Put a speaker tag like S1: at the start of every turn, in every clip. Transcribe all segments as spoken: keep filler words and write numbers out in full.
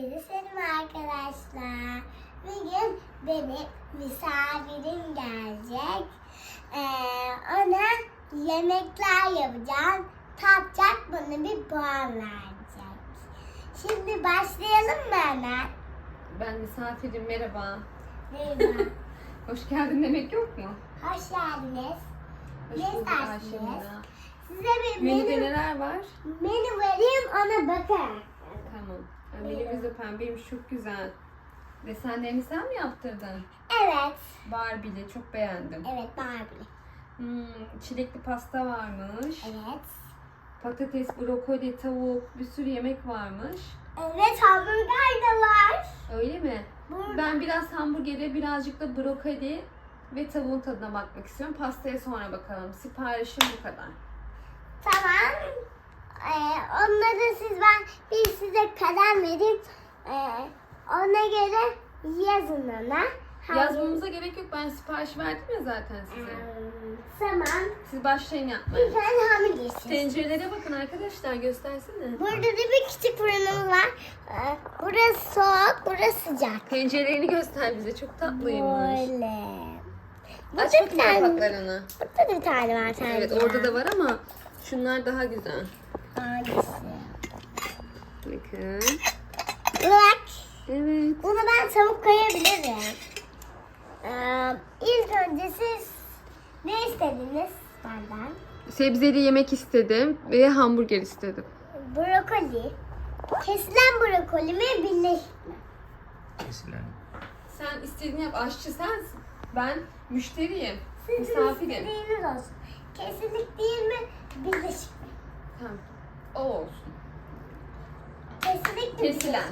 S1: Hepinize selam arkadaşlar. Bugün benim misafirim gelecek. Ee, ona yemekler yapacağım. Tatacak, bana bir puan verecek. Şimdi başlayalım mı hemen?
S2: Ben misafirim, merhaba.
S1: Merhaba.
S2: Hoş geldin demek yok mu?
S1: Hoş geldiniz.
S2: Hoş
S1: Ne
S2: bulduk
S1: istersiniz?
S2: Ayşemina.
S1: Size bir
S2: Menüde
S1: menü,
S2: neler var?
S1: menü vereyim, ona bakın.
S2: Tamam. Yani menümüz de pembeymiş, çok güzel. Desenlerini sen mi yaptırdın?
S1: Evet.
S2: Barbie'li, çok beğendim.
S1: Evet, Barbie.
S2: Hmm, çilekli pasta varmış.
S1: Evet.
S2: Patates, brokoli, tavuk, bir sürü yemek varmış.
S1: Evet, hamburger de var.
S2: Öyle mi?
S1: Burada.
S2: Ben biraz hamburgere, birazcık da brokoli ve tavuğun tadına bakmak istiyorum. Pastaya sonra bakalım. Siparişim bu kadar.
S1: Tamam. Ee, onları siz ben bir size kalem vereyim. Ee, ona göre yazın ona. Hangi-
S2: Yazmamıza gerek yok. Ben sipariş verdim ya zaten size.
S1: Ee, tamam.
S2: Siz başlayın yapmaya.
S1: Bir tane hamur yesin.
S2: Tencerelere bakın arkadaşlar, göstersene.
S1: Burada da bir küçük fırınımız var. Ee, burası soğuk, burası sıcak.
S2: Tencerelerini göster bize, çok tatlıymış.
S1: Böyle.
S2: Aç
S1: Burada bir
S2: bakayım
S1: tane,
S2: kapaklarını.
S1: burada da bir tane var tencere.
S2: Evet, orada da var ama şunlar daha güzel.
S1: Hangisi?
S2: Bakın.
S1: Bak.
S2: Evet.
S1: Buna ben tavuk koyabilirim. Ee, ilk önce siz ne istediniz benden?
S2: Sebzeli yemek istedim ve hamburger istedim.
S1: Brokoli. Kesilen brokoli mi, birleşik mi?
S3: Kesilen.
S2: Sen istediğini yap, aşçı sensin. Ben müşteriyim,
S1: Sizin
S2: misafirim.
S1: istediğiniz olsun. Kesilik değil mi, birleşik mi?
S2: Tamam, o olsun.
S1: Kesilik mi?
S2: Kesilen.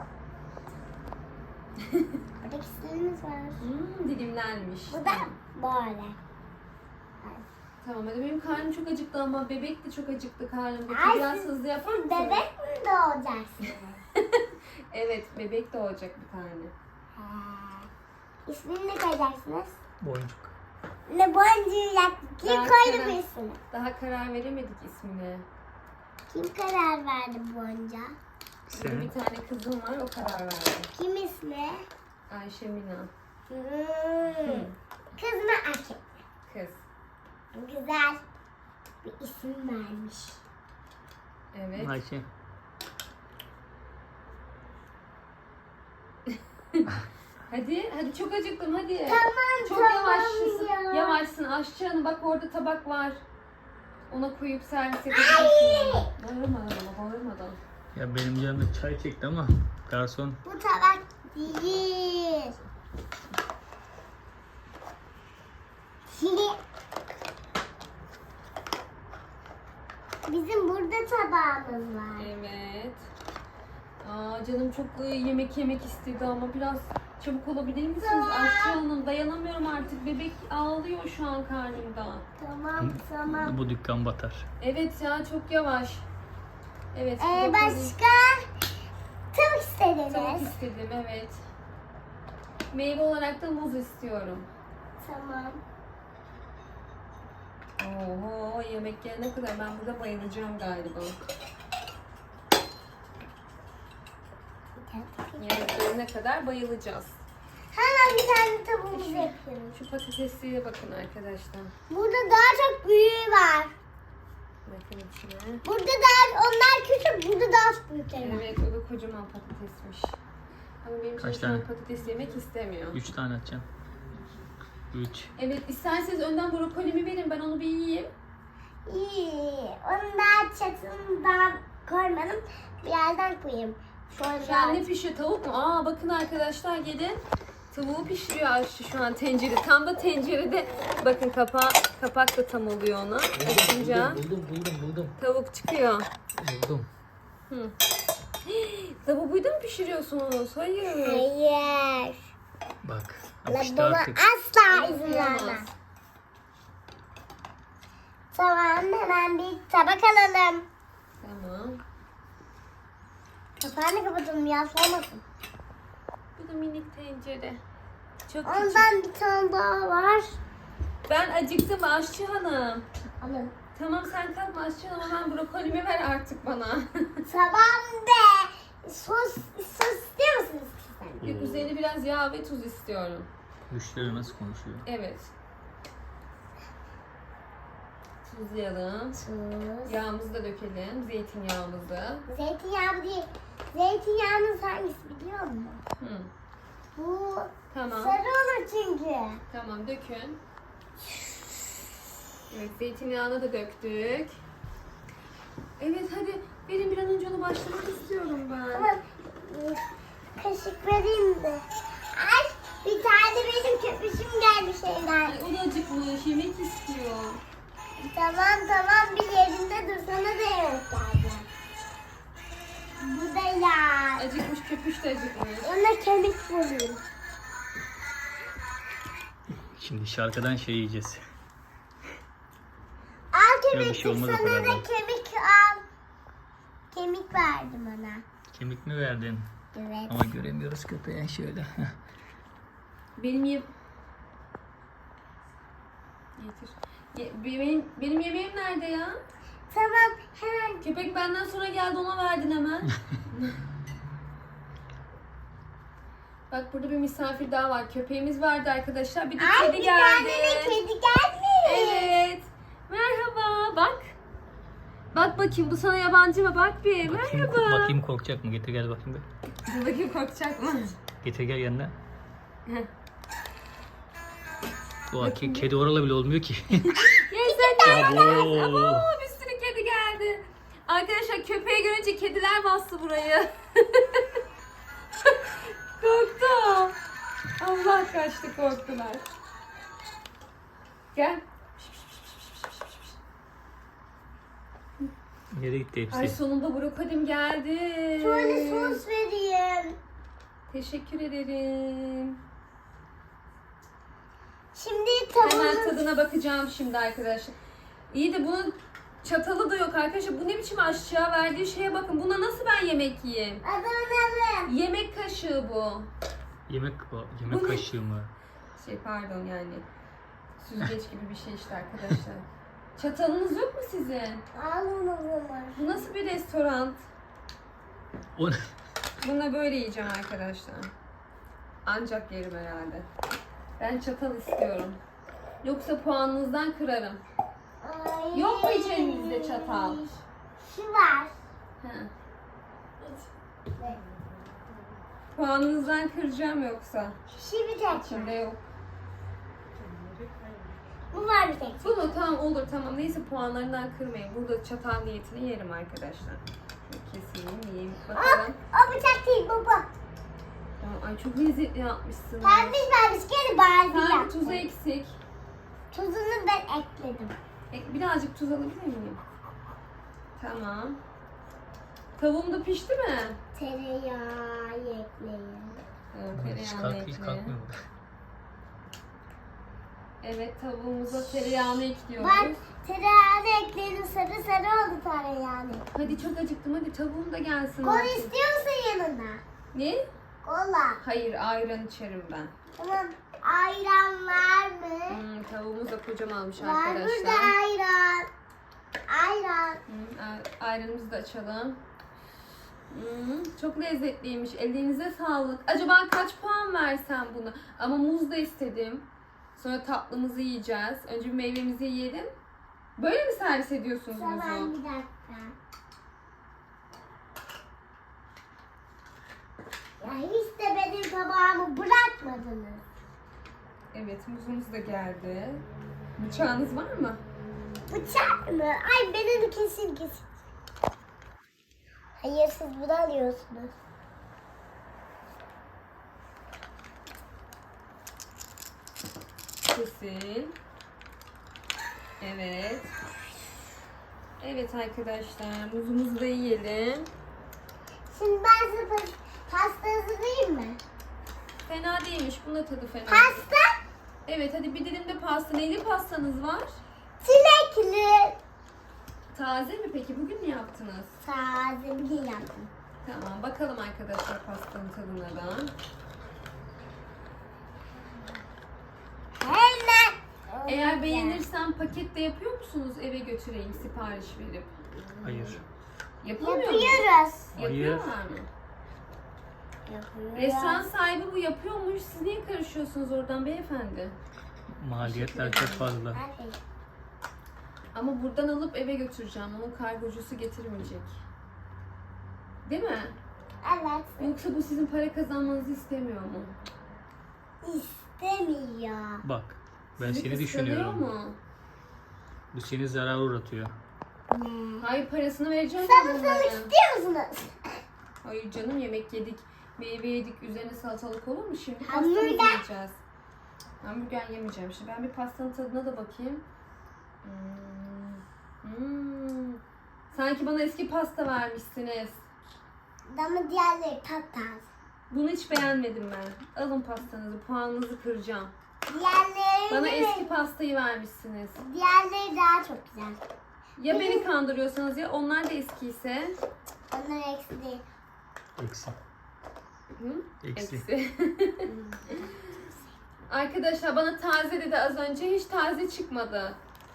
S1: birleşik? Burada kesilimiz var.
S2: Hmm, dilimlenmiş.
S1: Bu da böyle.
S2: Tamam, hadi benim karnım çok acıktı ama bebek de çok acıktı karnımda.
S1: Ay,
S2: Biraz
S1: siz-
S2: hızlı yapar
S1: Siz
S2: mısın?
S1: bebek mi doğacaksınız?
S2: Evet, bebek doğacak bir tane.
S1: He. İsmini ne koyacaksınız?
S3: Boncuk.
S1: Ne boncuğu yaptı? Kim
S2: Daha
S1: koydu
S2: karar-
S1: bu ismini?
S2: Daha karar veremedik ismine.
S1: Kim karar verdi bonca?
S2: Benim
S3: Sen.
S2: bir tane kızım var, o karar verdi.
S1: Kim ismi?
S2: Ayşe Mina.
S1: Hmm. Kız mı erkek mi?
S2: Kız.
S1: Güzel bir isim vermiş.
S2: Evet.
S3: Ayşe.
S2: Hadi, hadi çok acıktım hadi.
S1: Tamam,
S2: Çok
S1: tamam
S2: yavaşsın.
S1: ya.
S2: Yavaşsın aşçı hanım, bak orada tabak var. Ona koyup servis
S1: Ay!
S2: edebilirsin. Bağırmadan ama, bağırmadan.
S3: Ya benim canım da çay çekti ama garson
S1: Bu tabak değil. Bizim burada tabağımız var.
S2: Evet. Aa, canım çok e, yemek yemek istedi ama biraz çabuk olabilir misiniz?
S1: Tamam.
S2: Aşçı hanım, dayanamıyorum artık. Bebek ağlıyor şu an karnımda.
S1: Tamam, tamam.
S3: bu dükkan batar.
S2: Evet ya, çok yavaş. Evet.
S1: Ee,
S2: brokoli-
S1: başka tavuk
S2: Tavuk
S1: istediniz.
S2: istedim, evet. Meyve olarak da muz istiyorum.
S1: Tamam.
S2: Oho, yemek gelene kadar ben burada bayılacağım galiba. Yemek gelene kadar bayılacağız.
S1: Hemen bir tane tavuğumuzu
S2: Şu-
S1: yapıyoruz.
S2: Şu patatesliğe bakın arkadaşlar.
S1: Burada daha çok büyüğü var.
S2: Bakın içine.
S1: Burada daha onlar küçük, burada daha büyükleri var.
S2: Evet, o da kocaman patatesmiş. Ama benim
S3: Kaç
S2: çocuğum
S3: tane?
S2: patates yemek istemiyor.
S3: Üç tane atacağım. Üç.
S2: Evet, isterseniz önden brokolimi verin, ben onu bir yiyeyim.
S1: İyi. Onu daha çatından koymadım. Bir yerden koyayım.
S2: Şu an ne
S1: Şöyle.
S2: pişiyor? Tavuk mu? Aa, bakın arkadaşlar, gelin. Tavuğu pişiriyor aşçı şu an tencere. Tam da tencerede. Bakın kapağı, kapak da tam oluyor ona. Açınca
S3: Buldum buldum buldum.
S2: tavuk çıkıyor.
S3: Buldum.
S2: Hı. Tavuğu buydu mu pişiriyorsunuz? Hayır.
S1: Hayır.
S3: Bak.
S1: La
S3: Yapıştı
S1: buna
S3: artık.
S1: asla izin
S2: Yapamaz.
S1: vermez. Tamam, hemen bir tabak alalım.
S2: Tamam.
S1: Kapağını kapatalım, yaslamasın.
S2: Bu da minik tencere. Çok küçük.
S1: Ondan bir tane daha var.
S2: Ben acıktım aşçı hanım.
S1: Alın.
S2: Tamam, sen kalkma aşçı hanım, hemen brokolimi ver artık bana.
S1: Tamam de. Sus, sus
S2: biraz yağ ve tuz istiyorum.
S3: Müşteri nasıl konuşuyor?
S2: Evet. Tuzlayalım.
S1: Tuz.
S2: Yağımızı da dökelim. Zeytinyağımızı.
S1: Zeytinyağı değil. Zeytinyağının hangisi biliyor musun?
S2: Hı.
S1: Bu
S2: Tamam.
S1: sarı olur çünkü.
S2: Tamam dökün. Evet zeytinyağını da döktük. Evet hadi verin bir an önce onu başlamak istiyorum ben.
S1: Ama e, kaşık vereyim de. Ay bir tane benim köpüşüm geldi şeyler.
S2: Ay, o da acıkmış yemek istiyor.
S1: Tamam tamam bir yerinde dur sana da yemek geldi. Bu da ya.
S2: Acıkmış köpüş de acıkmış.
S1: Ona kemik bulayım.
S3: Şimdi şarkıdan şey yiyeceğiz.
S1: Al
S3: bir
S1: kemik
S3: şey olmaz o
S1: sana
S3: kadar
S1: da
S3: da.
S1: kemik al. Kemik verdim ona.
S3: Kemik mi verdin?
S1: Evet.
S3: Ama göremiyoruz köpeğe şöyle.
S2: Benim ye... Getir. Ye- benim, benim yemeğim nerede ya?
S1: Tamam hemen.
S2: Köpek benden sonra geldi ona verdin hemen. Bak burada bir misafir daha var. Köpeğimiz vardı arkadaşlar. Bir de
S1: Ay
S2: kedi
S1: bir
S2: geldi.
S1: tane de kedi gelmiş.
S2: Evet. Merhaba. Bak. Bak bakayım bu sana yabancı mı? Bak bir.
S3: Bakayım,
S2: Merhaba.
S3: bakayım korkacak mı? Getir gel bakayım bir.
S2: Dur bakayım korkacak mı?
S3: Getir gel yanına.
S2: Heh.
S3: Doğa ke- kedi oralı bile olmuyor ki.
S2: Gel sen de.
S3: Abo.
S2: Abo bir sürü kedi geldi. Arkadaşlar köpeği görünce kediler bastı burayı. Korktu. Allah kaçtı korktular. Gel.
S3: Nereye gitti
S2: Ay
S3: hepsi?
S2: sonunda brokolim geldi.
S1: Şöyle sos vereyim.
S2: Teşekkür ederim.
S1: Şimdi
S2: Hemen
S1: tavuğunu
S2: tadına bakacağım şimdi arkadaşlar. İyi de bunun çatalı da yok arkadaşlar. Bu ne biçim aşçı ya? Verdiği şeye bakın. Buna nasıl ben yemek yiyeyim?
S1: adını
S2: Yemek kaşığı bu.
S3: Yemek yemek
S2: Bu ne?
S3: kaşığı mı?
S2: Şey pardon yani. Süzgeç gibi bir şey işte arkadaşlar. Çatalınız yok mu sizin?
S1: al onu bunu.
S2: Bu nasıl bir restoran?
S3: O ne?
S2: Bununla böyle yiyeceğim arkadaşlar. Ancak yerim herhalde. Ben çatal istiyorum. Yoksa puanınızdan kırarım.
S1: Ay.
S2: Yok mu içerinizde çatal?
S1: Şu var.
S2: He. Puanınızdan kıracağım yoksa.
S1: Şu bir tek
S2: İçinde
S1: var.
S2: yok.
S1: Bu var bir tek.
S2: Bu mu? Tamam olur tamam. Neyse puanlarından kırmayın. Burada çatal niyetini yerim arkadaşlar. Şöyle keseyim yiyeyim.
S1: O,
S2: Bakalım.
S1: o bıçak değil bu bu.
S2: Aa, Ay çok lezzetli yapmışsın.
S1: Pembiş pembiş gene bari
S2: Sanki
S1: yaptım.
S2: tuzu eksik.
S1: Tuzunu ben ekledim.
S2: E, birazcık tuz alabilir miyim? Tamam. Tavuğum da pişti mi?
S1: Tereyağı ekleyin.
S2: Evet,
S3: Hiç,
S2: tereyağını
S3: kalk, hiç
S2: ekle.
S3: kalkmıyor bu.
S2: Evet tavuğumuza tereyağını ekliyoruz.
S1: Bak tereyağını ekledim sarı sarı oldu tereyağını.
S2: Hadi çok acıktım hadi tavuğum da gelsin.
S1: Kola
S2: artık.
S1: istiyor musun yanına?
S2: Ne?
S1: Kola.
S2: Hayır ayran içerim ben.
S1: Tamam. Ayran var mı?
S2: Hmm, tavuğumuz da kocamanmış
S1: Var burada
S2: arkadaşlar.
S1: ayran. Ayran.
S2: Hmm, a- ayranımızı da açalım. Hmm, çok lezzetliymiş. Ellerinize sağlık. Acaba kaç puan versem buna? Ama muz da istedim. Sonra tatlımızı yiyeceğiz. Önce bir meyvemizi yiyelim. Böyle mi servis ediyorsunuz
S1: Tamam
S2: muzu?
S1: bir dakika. Ya hiç de benim tabağımı bırakmadınız.
S2: Evet muzumuz da geldi. Bıçağınız var mı?
S1: Bıçak mı? Ay ben onu kesin kesin. Hayır siz bunu alıyorsunuz.
S2: Kesin. Evet. Evet arkadaşlar muzumuzu da yiyelim.
S1: Şimdi ben size pas- pasta hazırlayayım mı?
S2: Fena değilmiş. Bunun da tadı fena.
S1: Pasta
S2: Evet hadi bir dilim de pasta. Neyli pastanız var?
S1: çilekli.
S2: Taze mi peki? Bugün mü yaptınız?
S1: Taze bir şey yaptım.
S2: Tamam bakalım arkadaşlar pastanın tadına da.
S1: Hemen.
S2: Eğer beğenirsem paket de yapıyor musunuz? Eve götüreyim sipariş verip.
S3: Hayır.
S2: Yapamıyor mu?
S1: Yapıyoruz.
S2: Yapıyorlar mı?
S1: Yapıyor.
S2: Restoran sahibi bu yapıyormuş. Siz niye karışıyorsunuz oradan beyefendi?
S3: Maliyetler çok fazla.
S1: Hadi.
S2: Ama buradan alıp eve götüreceğim. Onun kargocusu getirmeyecek. Değil mi?
S1: Evet.
S2: Yoksa bu sizin para kazanmanızı istemiyor mu?
S1: İstemiyor.
S3: Bak ben
S2: Sizi
S3: seni
S2: kıskanıyor
S3: düşünüyorum.
S2: mu?
S3: Bu seni zarar uğratıyor.
S1: Ne?
S2: Hayır, parasını vereceğim.
S1: Salatalık
S2: bunlara.
S1: istiyor musunuz?
S2: Hayır canım, yemek yedik. Meyve yedik. Üzerine salatalık olur mu? Şimdi
S1: Hamburger.
S2: pastamızı yiyeceğiz. Hamburger yemeyeceğim. Şimdi ben bir pastanın tadına da bakayım. Hmm. Hmm. Sanki bana eski pasta vermişsiniz.
S1: Ama diğerleri tatlı.
S2: Bunu hiç beğenmedim ben. Alın pastanızı. Puanınızı kıracağım.
S1: Diğerleri
S2: Bana
S1: mi?
S2: eski pastayı vermişsiniz.
S1: Diğerleri daha çok güzel.
S2: Ya beni kandırıyorsanız ya onlar da eskiyse.
S1: Onlar eksi değil.
S3: Eksi.
S2: Hı?
S3: Eksi.
S2: Eksi. Arkadaşlar bana taze dedi az önce. Hiç taze çıkmadı.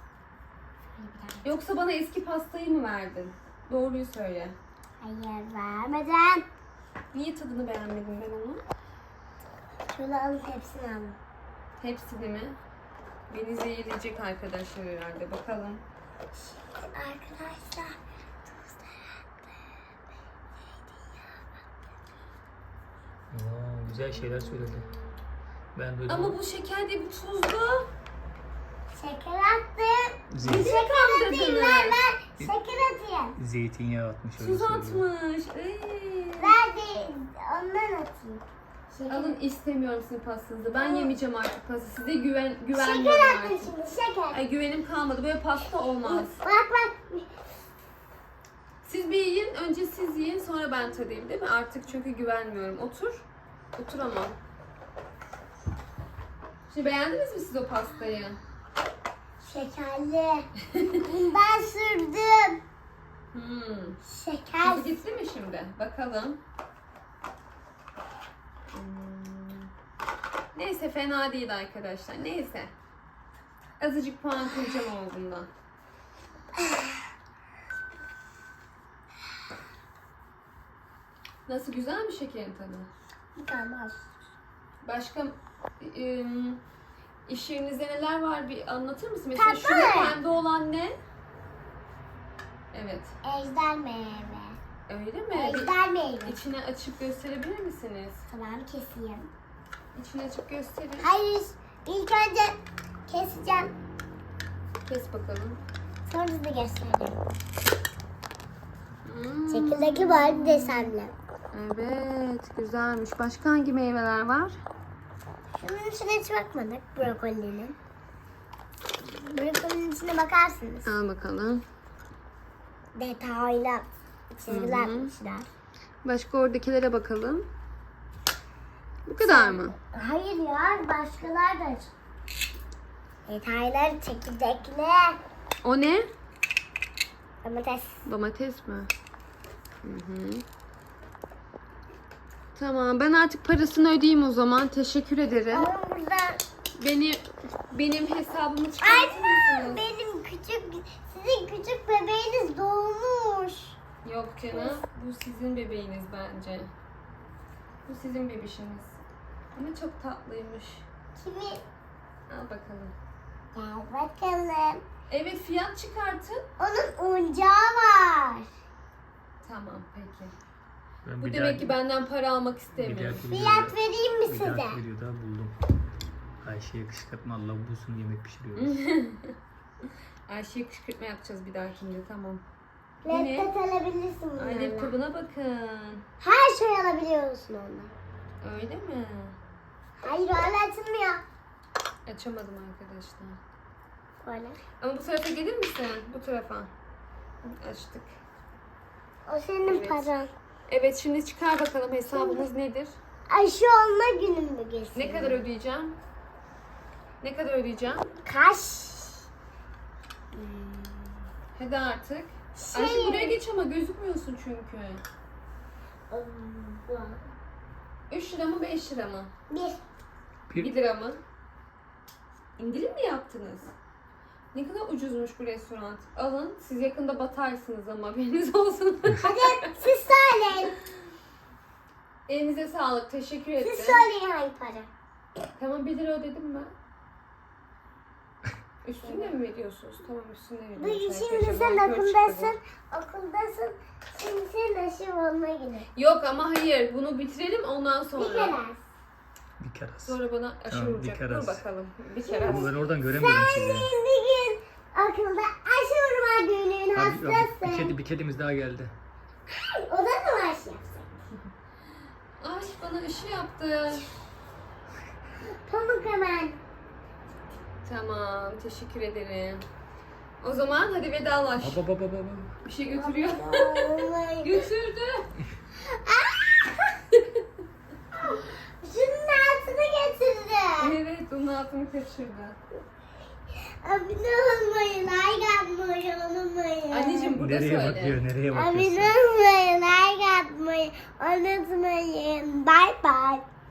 S2: Yoksa bana eski pastayı mı verdin? Doğruyu söyle.
S1: Hayır vermeden.
S2: Niye tadını beğenmedim ben onu?
S1: Şunu alın hepsini alın.
S2: Hepsini mi? Beni zehirleyecek arkadaşlar herhalde. Bakalım.
S1: Arkadaşlar.
S3: Oo, güzel şeyler söyledi. Ben duydum.
S2: Ama bu şeker değil, bu tuzlu.
S1: Şeker attım.
S3: Zeytin,
S1: Şeker atayım ver
S2: kandırdınız.
S1: ver. Şeker atayım.
S3: zeytinyağı atmış öyle
S2: Tuz
S3: söylüyor.
S2: atmış. Ey.
S1: Ver de ondan atayım. Şeker,
S2: Alın, istemiyorum sizin pastanızı. Ben yemeyeceğim artık pasta. Size güven
S1: şeker
S2: güvenmiyorum
S1: attım
S2: artık.
S1: şimdi şeker.
S2: Ay, güvenim kalmadı. Böyle pasta olmaz.
S1: Bak bak.
S2: Siz bir yiyin. Önce siz yiyin. Sonra ben tadayım, değil mi? Artık çünkü güvenmiyorum. Otur. Otur ama. Şimdi beğendiniz mi siz o pastayı?
S1: Şekerli. Bundan sürdüm.
S2: Hmm.
S1: Şeker.
S2: Tuzu gitti mi şimdi? Bakalım. Hmm. Neyse, fena değil arkadaşlar. Neyse. Azıcık puan kıracağım ama bundan. Nasıl, güzel mi şekerin tadı?
S1: Tamam.
S2: Başka ım, iş yerinizde neler var, bir anlatır mısın? Mesela
S1: Tatlı.
S2: şurada pembe olan ne? Evet.
S1: Ejder meyve.
S2: Öyle mi? Bir
S1: Ejder meyve.
S2: içine açıp gösterebilir misiniz?
S1: Tamam keseyim.
S2: İçine açıp gösterin.
S1: Hayır. İlk önce keseceğim.
S2: Kes bakalım.
S1: Sonra size göstereyim.
S2: Hmm.
S1: Çekirdekli var desenli.
S2: Evet, güzelmiş. Başka hangi meyveler var?
S1: Şunun içine hiç bakmadık. Brokolinin. Brokolinin içine bakarsınız.
S2: Al bakalım.
S1: Detaylı çizgiler
S2: Hı hı.
S1: yapmışlar.
S2: Başka oradakilere bakalım. Bu kadar mı?
S1: Hayır ya başkalar da. Detaylar çekirdekli.
S2: O ne?
S1: Domates.
S2: Domates mi? Hı hı. Tamam, ben artık parasını ödeyeyim o zaman. Teşekkür ederim.
S1: Ama burada
S2: Beni benim hesabımı
S1: Anne
S2: çıkartır mısınız?
S1: benim küçük sizin küçük bebeğiniz doğmuş.
S2: Yok canım. Bu sizin bebeğiniz bence. Bu sizin bebişiniz. Ama çok tatlıymış.
S1: Kimi?
S2: Al bakalım.
S1: Gel bakalım.
S2: Evet, fiyat çıkartın.
S1: Onun oyuncağı var.
S2: Tamam, peki.
S3: Ben
S2: Bu
S3: bir
S2: demek
S3: dahaki-
S2: ki benden para almak
S3: bir
S2: istemiyor.
S3: dahaki
S1: Fiyat
S3: videoda-
S1: vereyim mi
S3: bir
S1: size?
S3: dahaki videoda buldum. Ayşe'ye kışkırtma, Allah bulsun yemek pişiriyoruz.
S2: Ayşe'ye kışkırtma yapacağız bir dahakinde, tamam. Yine-
S1: Laptop alabilirsin
S2: Ay,
S1: bunlarla.
S2: laptopuna bakın.
S1: Her şey alabiliyorsun onunla.
S2: Öyle mi?
S1: Hayır öyle açılmıyor.
S2: Açamadım arkadaşlar.
S1: Böyle.
S2: Ama bu tarafa gelir misin? Bu tarafa. Açtık.
S1: O senin
S2: Evet.
S1: paran.
S2: Evet, şimdi çıkar bakalım hesabımız nedir?
S1: Aşı olma günün bu geçsin.
S2: Ne kadar ödeyeceğim? Ne kadar ödeyeceğim?
S1: Kaç?
S2: Hadi artık.
S1: Şey-
S2: Ayşe buraya geç ama gözükmüyorsun çünkü. üç lira mı beş lira mı?
S1: Bir.
S3: Bir,
S2: bir lira mı? İndirim mi yaptınız? Ne kadar ucuzmuş bu restoran. Alın, siz yakında batarsınız ama haberiniz olsun.
S1: Hadi siz söyleyin.
S2: Elinize sağlık. Teşekkür
S1: Siz
S2: ederim.
S1: söyleyin hangi para.
S2: Tamam bir lira ödedim ben. Üstüne mi veriyorsunuz? Tamam üstüne
S1: Bu
S2: veriyorsunuz.
S1: şimdi sen okuldasın. Okuldasın. Şimdi sen aşı olmaya gidiyorsun.
S2: Yok ama hayır. Bunu bitirelim ondan
S1: Bir
S2: sonra.
S1: kere.
S3: Bir kere az.
S2: Sonra bana aşı
S3: Tamam, bir
S2: vuracak.
S3: kere
S2: Dur
S3: az.
S2: bakalım. Bir kere az.
S3: Ama ben oradan göremiyorum sizi.
S1: Bir gün okulda aşı vurma günün
S3: Abi, abi, bir,
S1: hastası.
S3: kedi, bir kedimiz daha geldi.
S1: O da mı aşı yapsın?
S2: Ay bana aşı yaptı.
S1: Pamuk hemen.
S2: Tamam. Teşekkür ederim. O zaman hadi vedalaş.
S3: Baba baba baba.
S2: Bir şey götürüyor.
S1: Vallahi.
S2: Götürdü.
S1: Şunun altına getirdi.
S2: Evet onun altını kaçırdı.
S1: Abone olmayı, like atmayı unutmayın.
S2: Anneciğim burada
S3: Nereye
S2: söyle.
S3: bakıyor? Nereye bakıyorsun?
S1: Abone olmayı, like atmayı unutmayın. Bye bye.